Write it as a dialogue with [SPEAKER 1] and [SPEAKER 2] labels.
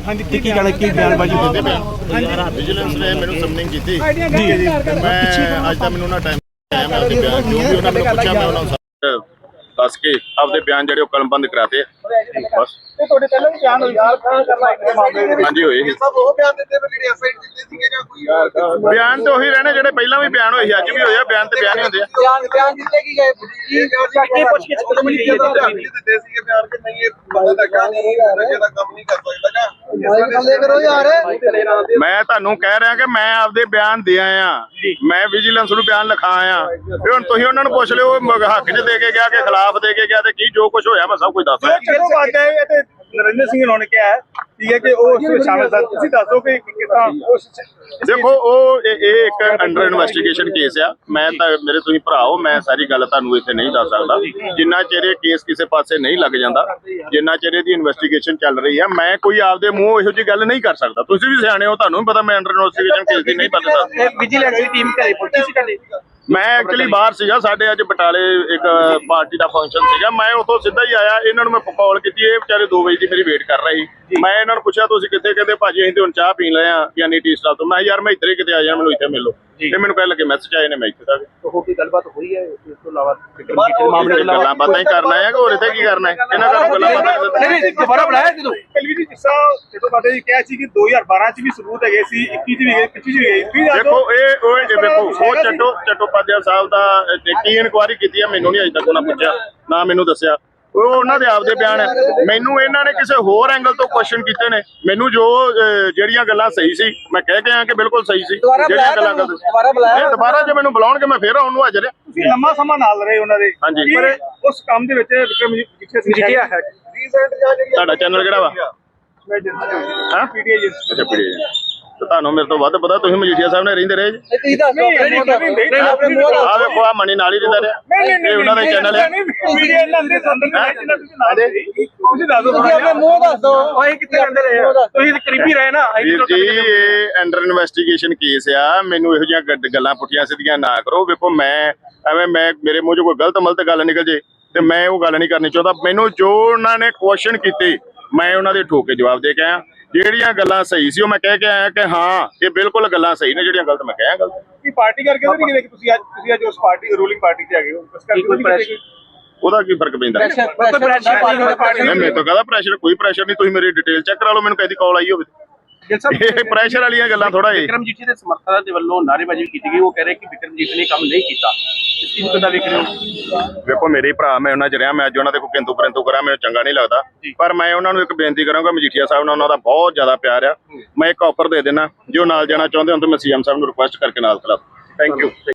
[SPEAKER 1] ਕੀ ਕਹਿਣਾ ਕੀ ਬਿਆਨਬਾਜ਼ੀ ਹੋਈ?
[SPEAKER 2] ਵਿਜੀਲੈਂਸ ਨੇ ਮੈਨੂੰ ਸਮਨਿੰਗ ਕੀਤੀ ਜੀ। ਮੈਂ ਅੱਜ ਤਾਂ ਮੈਨੂੰ ਨਾ ਟਾਈਮ ਆਇਆ, ਮੈਂ ਆਪਦੇ ਬਿਆਨ ਜੋ ਵੀ ਉਹਨਾਂ ਨੇ ਪੁੱਛਿਆ ਮੈਂ ਉਹਨਾਂ ਨੂੰ ਦੱਸ ਕੇ ਆਪਦੇ ਬਿਆਨ ਜਿਹੜੇ ਉਹ ਕਲਮਬੰਦ ਕਰਾਤੇ ਬਸ।
[SPEAKER 3] ਤੇ ਤੁਹਾਡੇ ਪਹਿਲਾਂ ਵੀ ਬਿਆਨ ਹੋਈ ਕਰਨਾ ਇੱਕ ਮਾਮਲੇ ਦੇ ਵਿੱਚ
[SPEAKER 2] ਹਾਂਜੀ ਹੋਏ ਸੀ
[SPEAKER 3] ਸਭ ਉਹ ਬਿਆਨ ਦਿੱਤੇ ਜਿਹੜੇ ਐਫਆਈਆਰ ਦਿੱਤੇ ਸੀਗੇ ਜਾਂ ਕੋਈ
[SPEAKER 2] ਬਿਆਨ ਤੇ ਉਹੀ ਰਹਿਣੇ ਜਿਹੜੇ ਪਹਿਲਾਂ ਵੀ ਬਿਆਨ ਹੋਏ ਸੀ, ਅੱਜ ਵੀ ਹੋਏ ਆ। ਬਿਆਨ ਤੇ ਬਿਆਨ ਹੀ ਹੁੰਦੇ ਆ।
[SPEAKER 3] ਬਿਆਨ ਦਿੱਤੇ ਕੀ ਗਏ ਕੀ ਪੁੱਛ ਕੇ ਦਿੱਤੇ ਸੀਗੇ ਬਿਆਨ ਕਿ ਨਹੀਂ ਇਹ ਬੰਦਾ ਤਾਂ ਕਾ ਨਹੀਂ ਨਸ਼ੇ ਦਾ ਕੰਮ ਨਹੀਂ ਕਰ ਸਕਦਾ ਜਾਂ ਕਰੋ ਯਾਰ।
[SPEAKER 2] ਮੈਂ ਤੁਹਾਨੂੰ ਕਹਿ ਰਿਹਾ ਕਿ ਮੈਂ ਆਪਦੇ ਬਿਆਨ ਦੇ ਆਇਆ, ਮੈਂ ਵਿਜੀਲੈਂਸ ਨੂੰ ਬਿਆਨ ਲਿਖਾ ਆਇਆ। ਤੇ ਹੁਣ ਤੁਸੀਂ ਉਹਨਾਂ ਨੂੰ ਪੁੱਛ ਲਿਓ ਹੱਕ 'ਚ ਦੇ ਕੇ ਗਿਆ ਕਿ ਖਿਲਾਫ ਦੇ ਕੇ ਗਿਆ ਤੇ ਕੀ ਜੋ ਕੁਝ ਹੋਇਆ ਮੈਂ ਸਭ ਕੁਝ ਦੱਸ
[SPEAKER 1] ਚਲੋ ਨਰਿੰਦਰ ਸਿੰਘ ਹੋਣਾ ਕਿਹਾ ਠੀਕ ਹੈ ਕਿ ਉਹ ਸ਼ਾਮਲ ਸਨ। ਤੁਸੀਂ ਦੱਸੋ ਕਿ
[SPEAKER 2] ਦੇਖੋ ਉਹ ਇਹ ਇੱਕ ਅੰਡਰ ਇਨਵੈਸਟੀਗੇਸ਼ਨ ਕੇਸ ਆ। ਮੈਂ ਤਾਂ ਮੇਰੇ ਤੁਸੀਂ ਭਰਾ ਹੋ, ਮੈਂ ਸਾਰੀ ਗੱਲ ਤੁਹਾਨੂੰ ਇੱਥੇ ਨਹੀਂ ਦੱਸ ਸਕਦਾ ਜਿੰਨਾ ਚਿਰ ਇਹ ਕੇਸ ਕਿਸੇ ਪਾਸੇ ਨਹੀਂ ਲੱਗ ਜਾਂਦਾ, ਜਿੰਨਾ ਚਿਰ ਇਹਦੀ ਇਨਵੈਸਟੀਗੇਸ਼ਨ ਚੱਲ ਰਹੀ ਆ। ਮੈਂ ਕੋਈ ਆਪਦੇ ਮੂੰਹ ਇਹੋ ਜਿਹੀ ਗੱਲ ਨਹੀਂ ਕਰ ਸਕਦਾ। ਤੁਸੀਂ ਵੀ ਸਿਆਣੇ ਹੋ, ਤੁਹਾਨੂੰ ਵੀ ਪਤਾ ਮੈਂ ਅੰਡਰ ਇਨਵੈਸਟੀਗੇਸ਼ਨ ਕੇਸ ਦੀ ਨਹੀਂ ਪਤਾ।
[SPEAKER 1] ਵਿਜੀਲੈਂਸ ਦੀ ਟੀਮ ਘਰੇ ਪਹੁੰਚੀ ਸੀ ਤੁਹਾਡੇ?
[SPEAKER 2] ਮੈਂ ਐਕਚੁਅਲੀ ਬਾਹਰ ਸੀਗਾ, ਸਾਡੇ ਅੱਜ ਬਟਾਲੇ ਇੱਕ ਪਾਰਟੀ ਦਾ ਫੰਕਸ਼ਨ ਸੀਗਾ। ਮੈਂ ਉੱਥੋਂ ਸਿੱਧਾ ਹੀ ਆਇਆ, ਇਹਨਾਂ ਨੂੰ ਮੈਂ ਕਾਲ ਕੀਤੀ। ਇਹ ਵਿਚਾਰੇ 2 ਵਜੇ ਦੀ ਮੇਰੀ ਵੇਟ ਕਰ ਰਹੇ ਸੀ। ਮੈਂ ਇਹਨਾਂ ਨੂੰ ਪੁੱਛਿਆ ਤੁਸੀਂ ਕਿੱਥੇ? ਕਹਿੰਦੇ ਭਾਜੀ ਅਸੀਂ ਤੇ ਹੁਣ ਚਾਹ ਪੀਣ ਲਏ ਆ ਯਾਨੀ ਟੀ ਸਟਾਲ ਤੋਂ। ਮੈਂ ਯਾਰ ਮੈਂ ਇੱਧਰ ਹੀ ਕਿਤੇ ਆ ਜਾ, ਮੈਨੂੰ ਇੱਥੇ ਮਿਲੋ। ਤੇ ਮੈਨੂੰ ਕਹਿ ਲੱਗੇ ਮੈਸੇਜ ਆਏ ਨੇ, ਮੈਂ ਇੱਥੇ ਤੱਕ।
[SPEAKER 1] ਹੋਰ ਕੋਈ ਗੱਲਬਾਤ ਹੋਈ ਹੈ ਇਸ ਤੋਂ ਇਲਾਵਾ
[SPEAKER 2] ਮਾਮਲੇ ਦੀ ਗੱਲਾਂ ਬਾਤਾਂ ਹੀ ਕਰਨਾ ਹੈ ਕਿ ਹੋਰ ਇੱਥੇ ਕੀ ਕਰਨਾ ਹੈ? ਇਹਨਾਂ ਦਾ ਗੱਲਾਂ ਬਾਤਾਂ
[SPEAKER 1] ਨਹੀਂ ਦੁਬਾਰਾ ਬਣਾਇਆ ਜਦੋਂ ਕਲਵੀ ਜੀ ਜਿਸ ਤਰ੍ਹਾਂ ਜਦੋਂ ਬਾटे ਜੀ ਕਿਹਾ ਸੀ ਕਿ 2012 ਚ ਵੀ ਸਬੂਤ ਹੈਗੇ ਸੀ, 21 ਚ ਵੀ ਗਏ, 25 ਚ ਵੀ ਗਏ।
[SPEAKER 2] ਦੇਖੋ ਇਹ ਵੇਖੋ ਉਹ ਚੱਟੋਪਾਧਿਆ ਸਾਹਿਬ ਦਾ ਕੀ ਇਨਕੁਆਇਰੀ ਕੀਤੀ ਹੈ ਮੈਨੂੰ ਨਹੀਂ ਅਜੇ ਤੱਕ ਉਹਨਾਂ ਪੁੱਛਿਆ ਨਾ ਮੈਨੂੰ ਦੱਸਿਆ। ਉਹ ਉਹਨਾਂ ਦੇ ਆਪਦੇ ਬਿਆਨ ਹੈ। ਮੈਨੂੰ ਇਹਨਾਂ ਨੇ ਕਿਸੇ ਹੋਰ ਐਂਗਲ ਤੋਂ ਕੁਐਸਚਨ ਕੀਤੇ ਨੇ। ਮੈਨੂੰ ਜੋ ਜਿਹੜੀਆਂ ਗੱਲਾਂ ਸਹੀ ਸੀ ਮੈਂ ਕਹਿ ਕੇ ਆਇਆ ਕਿ ਬਿਲਕੁਲ ਸਹੀ ਸੀ। ਜਿਹੜੀਆਂ ਗੱਲਾਂ ਦੁਬਾਰਾ ਜੇ ਮੈਨੂੰ ਬੁਲਾਉਣਗੇ ਮੈਂ ਫੇਰ ਉਹਨੂੰ ਹਾਜ਼ਰ।
[SPEAKER 1] ਤੁਸੀਂ ਲੰਮਾ ਸਮਾਂ ਨਾਲ ਰਹੇ ਉਹਨਾਂ ਦੇ,
[SPEAKER 2] ਹਾਂਜੀ,
[SPEAKER 1] ਪਰ ਉਸ ਕੰਮ ਦੇ ਵਿੱਚ ਮਜੀਠੀਆ ਹੈ।
[SPEAKER 2] ਤੁਹਾਡਾ ਚੈਨਲ ਕਿਹੜਾ ਵਾ? ਹਾਂ
[SPEAKER 1] ਪੀਟੀਆਈ।
[SPEAKER 2] ਅੱਛਾ ਪੀਟੀਆਈ। ਤੇ ਤੁਹਾਨੂੰ ਮੇਰੇ ਤੋਂ ਵੱਧ ਪਤਾ, ਤੁਸੀਂ ਮਜੀਠੀਆ ਸਾਹਿਬ ਨੇ ਰਹਿੰਦੇ ਰਹੇ ਜੀ। ਆਹ ਵੇਖੋ ਆ ਮਣੀ ਨਾਲ ਹੀ ਰਹਿੰਦਾ ਰਿਹਾ, ਇਹ ਉਹਨਾਂ ਦਾ ਚੈਨਲ ਹੈ।
[SPEAKER 1] ਤੁਸੀਂ ਦੱਸੋ ਮੂੰਹ ਦੱਸ ਦੋ ਕਿੱਥੇ ਰਹਿੰਦੇ ਰਹੇ? ਤੁਸੀਂ ਕਰੀਬੀ ਰਹੇ ਨਾ
[SPEAKER 2] ਜੀ। ਇਹ ਅੰਡਰ ਇਨਵੈਸਟੀਗੇਸ਼ਨ ਕੇਸ ਆ। ਮੈਨੂੰ ਇਹੋ ਜਿਹੀਆਂ ਗੱਲਾਂ ਪੁੱਠੀਆਂ ਸਿੱਧੀਆਂ ਨਾ ਕਰੋ। ਵੇਖੋ ਮੈਂ ਐਵੇਂ ਮੇਰੇ ਮੂੰਹ 'ਚੋਂ ਕੋਈ ਗਲਤ ਗੱਲ ਨਿਕਲ ਜੇ ਤੇ ਮੈਂ ਉਹ ਗੱਲ ਨਹੀਂ ਕਰਨੀ ਚਾਹੁੰਦਾ। ਮੈਨੂੰ ਜੋ ਉਹਨਾਂ ਨੇ ਕੁਐਸਚਨ ਕੀਤੇ ਮੈਂ ਉਹਨਾਂ ਦੇ ਠੋਕ ਕੇ ਜਵਾਬ ਦੇ ਕੇ ਆਇਆ। ਜਿਹੜੀਆਂ ਗੱਲਾਂ ਸਹੀ ਸੀ ਉਹ ਮੈਂ ਕਹਿ ਕੇ ਆਇਆ ਕਿ ਹਾਂ ਇਹ ਬਿਲਕੁਲ ਗੱਲਾਂ ਸਹੀ ਨੇ, ਜਿਹੜੀਆਂ ਗਲਤ ਮੈਂ ਕਿਹਾ ਗਲਤ।
[SPEAKER 1] ਕੀ ਪਾਰਟੀ ਕਰਕੇ ਨਹੀਂ ਕਿਤੇ ਤੁਸੀਂ ਅੱਜ ਉਸ ਪਾਰਟੀ ਰੂਲਿੰਗ ਪਾਰਟੀ ਤੇ ਆ ਗਏ ਹੋ, ਉਸ ਕਰਕੇ
[SPEAKER 2] ਉਹਦਾ ਕੀ ਫਰਕ ਪੈਂਦਾ? ਮੇਰੇ ਤੋਂ ਕਹਦਾ ਪ੍ਰੈਸ਼ਰ? ਕੋਈ ਪ੍ਰੈਸ਼ਰ ਨਹੀਂ। ਤੁਸੀਂ ਮੇਰੀ ਡਿਟੇਲ ਚੈੱਕ ਕਰਾ ਲਓ, ਮੈਨੂੰ ਕਦੀ ਕਾਲ ਆਈ ਹੋਵੇ। ਇਹ ਪ੍ਰੈਸ਼ਰ ਵਾਲੀਆਂ ਗੱਲਾਂ ਥੋੜਾ ਇਹ।
[SPEAKER 1] ਵਿਕਰਮ ਜੀਠੀ ਦੇ ਸਮਰਥਕਾਂ ਦੇ ਵੱਲੋਂ ਨਾਅਰੇਬਾਜ਼ੀ ਕੀਤੀ ਗਈ। ਉਹ ਕਹਿ ਰਹੇ ਕਿ ਵਿਕਰਮ ਜੀਠੀ ਨੇ ਕੰਮ ਨਹੀਂ ਕੀਤਾ। ਇਸ ਚੀਜ਼ ਨੂੰ ਕਿੱਦਾਂ ਵੇਖ ਰਹੇ ਹੋ?
[SPEAKER 2] ਵੇਖੋ ਮੇਰੇ ਭਰਾ, ਮੈਂ ਉਹਨਾਂ 'ਚ ਰਿਹਾ, ਮੈਂ ਅੱਜ ਉਹਨਾਂ ਦੇ ਕੋਈ ਕਿੰਤੂ ਪਰੰਤੂ ਕਰਾਂ ਮੈਨੂੰ ਚੰਗਾ ਨਹੀਂ ਲੱਗਦਾ। ਪਰ ਮੈਂ ਉਹਨਾਂ ਨੂੰ ਇੱਕ ਬੇਨਤੀ ਕਰਾਂਗਾ, ਮਜੀਠੀਆ ਸਾਹਿਬ ਨਾਲ ਉਹਨਾਂ ਦਾ ਬਹੁਤ ਜ਼ਿਆਦਾ ਪਿਆਰ ਆ। ਮੈਂ ਇੱਕ ਆਫਰ ਦੇ ਦੇਣਾ, ਜੇ ਉਹ ਨਾਲ ਜਾਣਾ ਚਾਹੁੰਦੇ ਹੋ ਤਾਂ ਮੈਂ ਸੀਐਮ ਸਾਹਿਬ ਨੂੰ ਰਿਕੁਐਸਟ ਕਰਕੇ ਨਾਲ ਖਿਲਾ। Thank you.